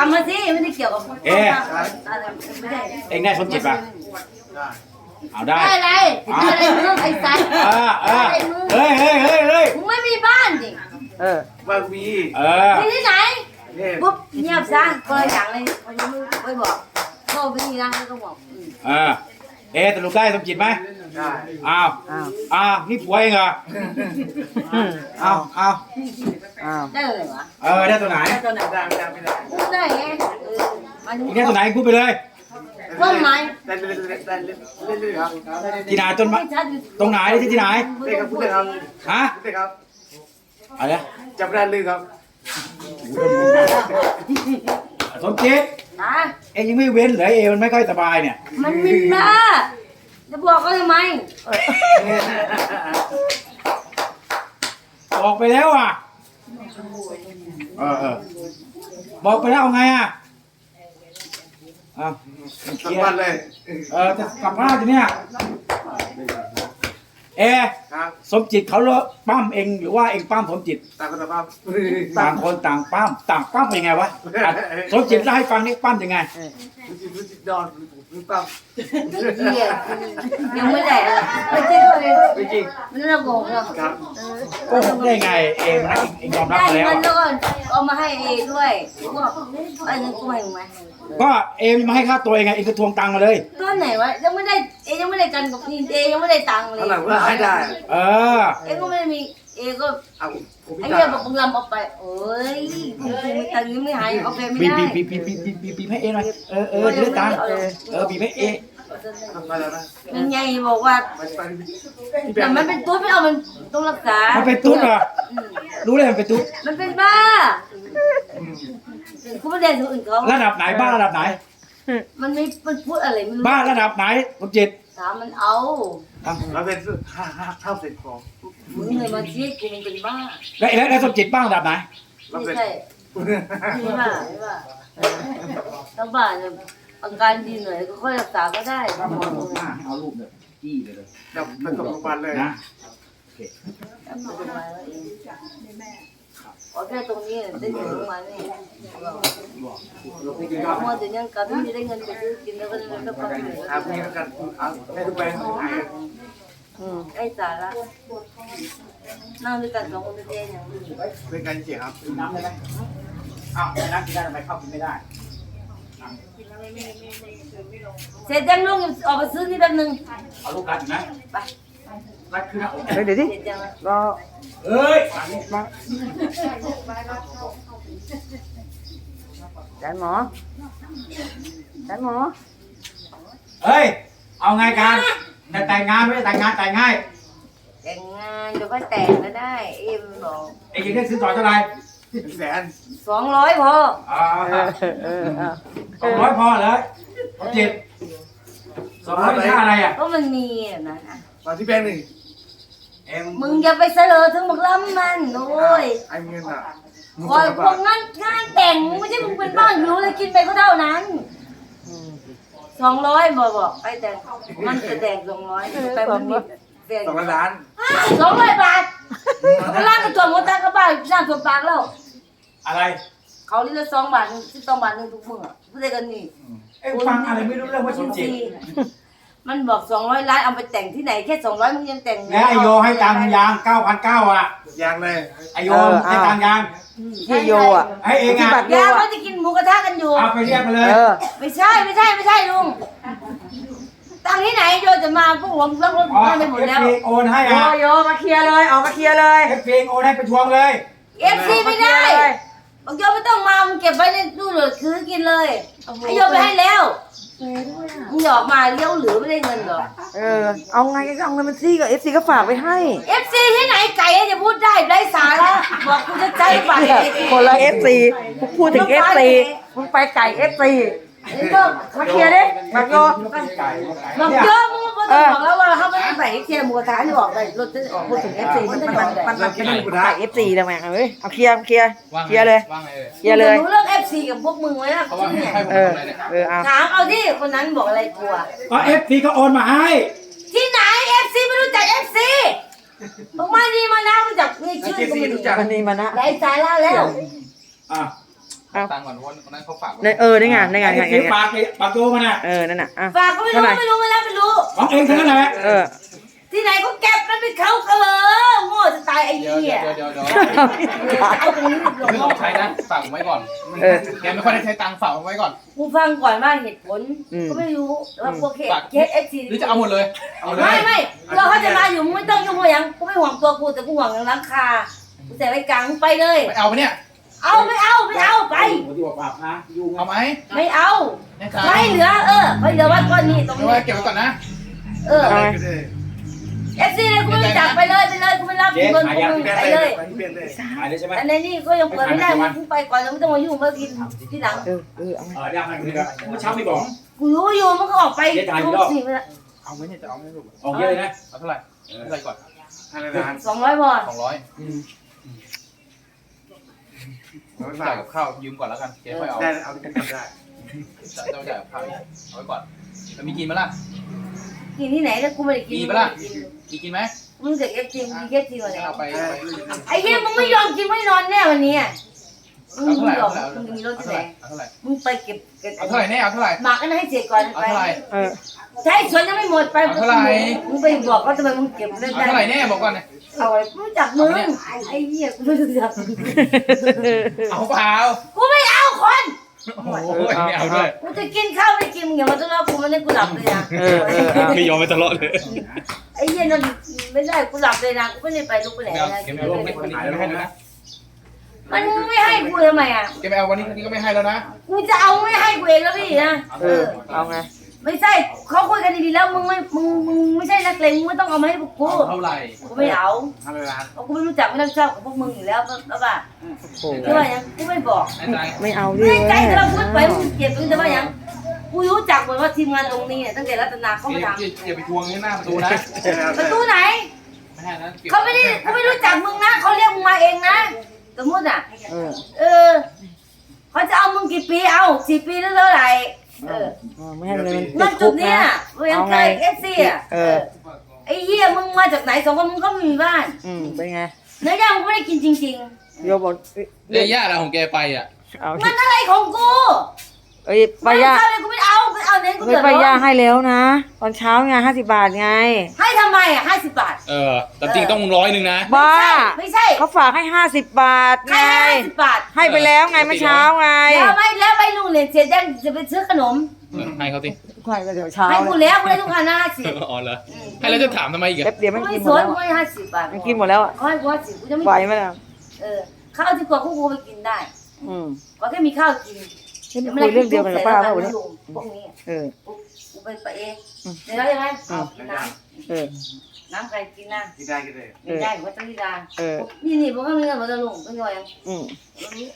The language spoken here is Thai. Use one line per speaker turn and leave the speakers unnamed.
ามมาสิไม่ได้เกี่ยวกับไม่ได้
เองได้สมจิตป่ะเอาได้
อะไรอะไรมึงไอ้สัตว์
เฮ้ย
มึงไม่มีบ้านดิ
ว่ามี
มีที่ไหนปุ๊บเงียบซะก็อย่างเลยมันยังไม่บอกโทรไปนี่นะแล้วก็บอก
สรุปได้สมจิตไหม
ได้
อ้าวนี่ผัวเองเหรออ้าว
ได้เลยวะ
ได้ตัวไหน
ได้ไม่ได้
ได้ไง
อีกได้ตัวไหนพูดไปเลย
ต้นไม้
ได้เรื่อยครับ
ที่ไหนต้นไม้ตรงไหนที่ไหน
เด็กครับพูดเลยครับ
ฮะ
เด็กครับ
อะไร
จับได้เลยครับ
สมจิตเองยังไม่เว้นเลยมันไม่ค่อยสบายเนี่ย
มันมินบ้าจะบอกเขาทำไม
บอกไปแล้วอ่ะบอกไปแล้วเอาไงอ่ะ
กลับบ้านเลย
จะกลับบ้านจะเนี่ยสมจิตเขาปั้มเองหรือว่าเองปั้มสมจิต
ต่างคนต่างปั้ม
ต่างคนต่างปั้มยังไงวะสมจิตเล่าให้ฟังนี่ปั้มยังไง
ดอนปั้ม
ยังไม่ได้ไม่จริงเลย
ไม่จริง
มันระโกงเหรอ
โกหกได้ไงเองนะเองยอมรับแล้ว
ได้เงินแล้วเอามาให้เอด้วยไอ้เงินกูให้ไหม
ก็เองมาให้ค่าตัวเองไงเองก็ทวงตังค์มาเลย
ต้นไหนวะยังไม่ได้เอยังไม่ได้กันกับนี่เอยังไม่ได้ตังค์เลย
ให้ได้
เอก็ไม่มีเอก็ไอ้เรื่องบอกมึงลำเอาไปเอ้ยมึงมีตังค์ยังไม่หายเอาไปไม่ได้
บีให้เอหน่อยจะได้ตังค์บีให้เอ
ยังไงบอกว่าแต่มันเป็นตุ๊ดไม่เอามันต้องรักษา
มันเป็นตุ๊ดเหรอรู้เลยมันเป็นตุ๊ด
มันเป็นบ้าคุณไม่ได้ถึงอื่นเขา
ระดับไหนบ้าระดับไหน
มันไม่มันพูดอะไรมัน
บ้าระดับไหนสมจิต
ถามมันเอา
แล้วเป็นข้าวเสร็จของ
มึงเลยมาชี้กูมันเป็นบ้า
แล้วสมจิตบ้าระดับไหน
ไม่ใช่ไม่บ้าถ้าบ้าเนี่ยอาการดีหน่อยก็ค่อยรักษาก็ได้
เอาลูกเลยจี้เลย
จับเป็นกับโรงพยาบาลเลย
นะ
จับโรงพยาบาลแล้วเองโอเคตรงนี้ได้ถึงโรงพยาบาลนี่เมื่อเดือนยังกับที่ได้เงินไปซื้อกินแล้วก็เลยต้องไป
มีกันให้ทุกไป
ไอ้สาระนั่งด้วยกันสองคนเดียวอย่างนี้
เป็นการเสียครับ
น้ำได้ไหมน้ำกินได้ทำไมข้าวกินไม่ได้
เสร็จยังลุงออกไปซื้อที่แป๊บนึง
เอาลูกกัดนะ
ไป
กัดคือนะ
เดี๋ยวดิรอมาจานหมอ
เฮ้ยเอาไงกันแต่งงานไม่ได้แต่งงานแต่งง่าย
แต่งงานเดี๋ยวก็แต่งก็ได้เอ็มบอก
เอ็งได้ซื้อต่อเท่าไหร่
200พอ
200พอเลยจิต200ค่าอะไรอ่ะ
ก็มันมีนะ
มาที่แป้งหนึ่ง
มึงอย่าไปเสลอถึงบอกล้ำมันโอ้ย
ไอ้เงินอ่ะ
คอยพวกงานแต่งไม่ใช่มึงเป็นบ้านอยู่เลยกินไปก็เท่านั้น200บอกไปแต่งมันจะแต่ง200ไปมันมี
2 ล้าน
200 บาทเขาล้างกระจกหมดตั้งกระบะล้างตัวปากแล้ว
อะไร
เขาเรียก2 บาท2 บาททุกมื้อพูดได้กันนี่
ฟังอะไรไม่รู้เรื่องว่าสมจิต
มันบอก200 ล้านเอาไปแต่งที่ไหนแค่200มึงยังแต่ง
แล้วไอโยให้ตังค์ยาง 9,900 อ่ะ
ยางเลย
ไอโยให้ตังค์ยาง
ที่โยอ่ะ
ให้เองอ่ะ
ยางเขาจะกินหมูกระทะกันอยู่
เอาไปเรียกมาเลย
ไม่ใช่ลุงตังที่ไหนโยจะมาพวกผมรับรถไปหมดแล้ว
โอนให้อ่ะ
โยมาเคลียร์เลยออกมาเคลียร์เลย
เพลงโอนให้ไปทวงเลย
FC ไม่ได้บอกโยไม่ต้องมามึงเก็บไว้ในตู้เลยคือกินเลยไอโยไปให้แล้วมึงหยอกมาเลี้ยวเหลือไม่ได้เงินหรอ
เอาไงก็เอาเงินมันซี่กับ FC ก็ฝากไปให้
FC ที่ไหนไก่จะพูดได้ไร้สาระบอกกูจะใจฝาก
คนละ FC พูดถึง FC มึงไปไก่ FC มาเคลียร์ดิมาโย
บอกโยมึงบอกแล้วว่าเขาไม่ได้ไปเคลียร์หมูกระทะที่บอกเลยรถจะพูดถึง FC มันจะมัน
ไก่ FC ทำไมเฮ้ยเอาเคลียร์เลยเคลียร์เลย
รู้เรื่อง FC กับพวกมึงไว้นะถามเอาที่คนนั้นบอกอะไรกลัว
ก็ FC ก็โอนมาให้
ที่ไหน FC ไม่รู้จัก FC บอกมาดีมานะรู้จักนี่ชื่อก็ไม่รู้
จักนี่มานะ
ไร้สาระแล้ว
ตังค์ก่อนเพราะวันนั้นเขาฝาก
ในนี่ไงในไง
ไอ้ที่ปากโยมันอ่ะ
นั่นน่ะอ่ะ
ฝากก็ไม่รู้ไม่รู้ไม่รับไม่รู้
ของเองทั้งนั้นแหละ
ที่ไหนก็เก็บมันเป็นเขาเออโง่จะตายไอ้
เดี๋ยว
เหี้ย
เอาตรงนี้ไม่ต้องใช้นะฝากผมไว้ก่อนแกไม่ค่อยได้ใช้ตังค์ฝากผมไว้ก่อน
กูฟังก่อนว่าเหตุผลก็ไม่รู้แต่ว่าพวกเคสเอฟซี
หรือจะเอาหมดเลยเอาเลย
ไม่เราเขาจะมาอยู่มึงไม่ต้องยุ่งอย่างกูไม่ห่วงตัวกูแต่กูห่วงอย่างราคากูแต่ไว้กลางมึงไปเลย
ไม่เอาไปเนี่ย
เอาไม่เอาไป
ที่ว่าปากนะยุ่ง
เอาไหม
ไม่เอา
แน่ใจ
ไม่เหลือไม่เหลือวัดก้อนนี้ตรง
ไม่
นี้
ว่าเก็บไว้ก่อนนะ
เอฟซีเลยกูไม่จับไปเลยกูไม่รับเงินกูไปเลย
ที่เป็นเลย
หายเลยใช่ไหม
อันนี้ก็ยังเปิดไม่ได้มึงไปก่อนแล้วไม่ต้องมายุ่งมากินที่หลัง
ได้มันคือเมื่อเช้าไม่บอก
กูรู้อยู่มันก็ออกไปทุกสิ่ง
เอาไหมเนี่ยจะเอาไหมลูก
ออกเยอะเลยนะ
เอาเท่าไหร่เท่าไหร่ก่อน
200 บาท
200จ่ายกับข้าวยืมก่อนแล้วกันเจ๊ค่อยเอา
ได้เอาที่กันได้
จะจ่ายกับข้าวเอาไว้ก่อนจะมีกินมั้ยล่ะ
กินที่ไหนแล้วกูไม่ได้กิน
มีปะล่ะมีกินไหม
มึงเด็กเอฟซีมึงเอฟซีวันไหน
เอาไป
ไอ้เหี้ยมึงไม่ยอมกินไม่นอนแน่วันนี้มึง
เอาเท่าไหร่
ยอ
เอา
ม
เท่าไหร่
มึงจะมีรถที่
เอา
ไหน
เท่าไหร่
มึงไปเก็บ
เอาเท่าไหร่แน่เอาเท่าไหร่
หมักกันให้เสร็จก่อน
เอา
ไป
เท่าไหร่
ใช้สวนยังไม่หมดไปมึงไปบอกเขาทำไมมึงเก็บเล่น
เอา
ได้
เท่าไหร่แน่บอกก่อนเนี่ย
เอาไว้รู้จักมึงไอ้เหี้ยกูไม่รู้จัก
เอาเปล่า
กูไม่เอาคน
โอ้โหไม่เอาด้วย
กูจะกินข้าวไม่กินมึงอย่ามาต้อนรับกูมันให้กูหลับเลยนะ
ไม่ยอมไปตลอดเลย
ไอ้เหี้ยนั่นไม่ได้กูหลับเลยนะกูไม่ได้ไปลุกไปไหน
ไม่เอา
นะ
เก็บไม่เอาวันนี้ไม่ให้แล้วนะ
มันไม่ให้กูทำไมอ่ะ
เก็บไม่เอาวันนี้ก็ไม่ให้แล้วนะ
กูจะเอาไม่ให้กูเองแล้วพี่นะ
เอาไง
ไม่ใช่เขาคุยกันดีๆแล้วมึงไม่ใช่นักเลงมึงไม่ต้องเอามาให้พวกกู
เท่าไหร่
กูไม่เอา
500
เพราะกูไม่รู้จักไม่ต้องชอบกับพวกมึงอยู่แล้วแล้วป่ะ
โอ้
ใช่ป่ะยังกูไม่บอก
แน่ใจ
ไม่เอาดิ
ไม่ใจแต่เราพูดไปมึงเก็บมึงจะว่ายังกูรู้จักหมดว่าทีมงานตรงนี้เนี่ยตั้งแต่รัตนาเขามาท
อย่าไปทวงที่หน้าประตูนะ
ำประตูไหน
ไม่ให้นะ
เขาไม่ได้กูไม่รู้จักมึงนะเขาเรียกมึงมาเองนะสมมติอ่ะเขาจะเอามึงกี่ปีเอา4 ปีแล้วเท่าไหร่
ไม่ให้เลย
นั่
มัน
นจุดเนี้ยเวียนไกลเอฟซีอ่ะ ไอ้เหี้ยมึงมาจากไหน2 คนมึงก็ไม่มีบ้าน
เป็นไง
เนื้อย่างมึงไม่ได้กินจริง
โยบอก
เรื่องย่าอะไรของแกไปอ่ะ
เอา
ๆ มันอะไรของกู
ป้าย่า
กูไม่เอาเน้นกู
ไม่
เดือด
ป้า
ร้
ย่า
อน
ให้แล้วนะ ตอนเช้าไง50 บาทไง
ให้ทำไมอ่ะ50 บาท
แต่จริงต้อง100นะ
บ้า
ไม่ใช่
เขาฝากให้50 บาทไง
ให้50 บาท
ให้ไปแล้วไงเมื่อเช้าไง
แล้วไม่ลุงเนี่ยเสียแดงจะไปซื้อขนม
ให้เขาสิ
ใช่ก็เดี๋ยวเช้า
ให้กูแล้วกูได้ทุกครั้งนะ50
อ๋อเหรอให้แล้วจะถามทำไมอีก
แป๊บเดียว
กู
ไม่
ไม่
กินห
ส
มด
น
แล้ว
กูให้50 บาท
ไม่กินหมดแล้ว
เขาให้กู50กูจะไม่
ไหวไหมล่ะ
ข้าวที่กว่ากูไปกินได้ ก็แค่มีข้าวกิน
คุยเรื่องเดียวกันกับป้าเปล่าวันนี้
พวกนี้ กูเป็นไปเองเดี๋ยวยังไงกินน้ำใครกินน้ำ
ที่ได้ก็ได้
ไม่ได้ผมก็ต้องที่ดานี่พวกเขามีเงินหมดแล้วลุงต้องย่อยยัง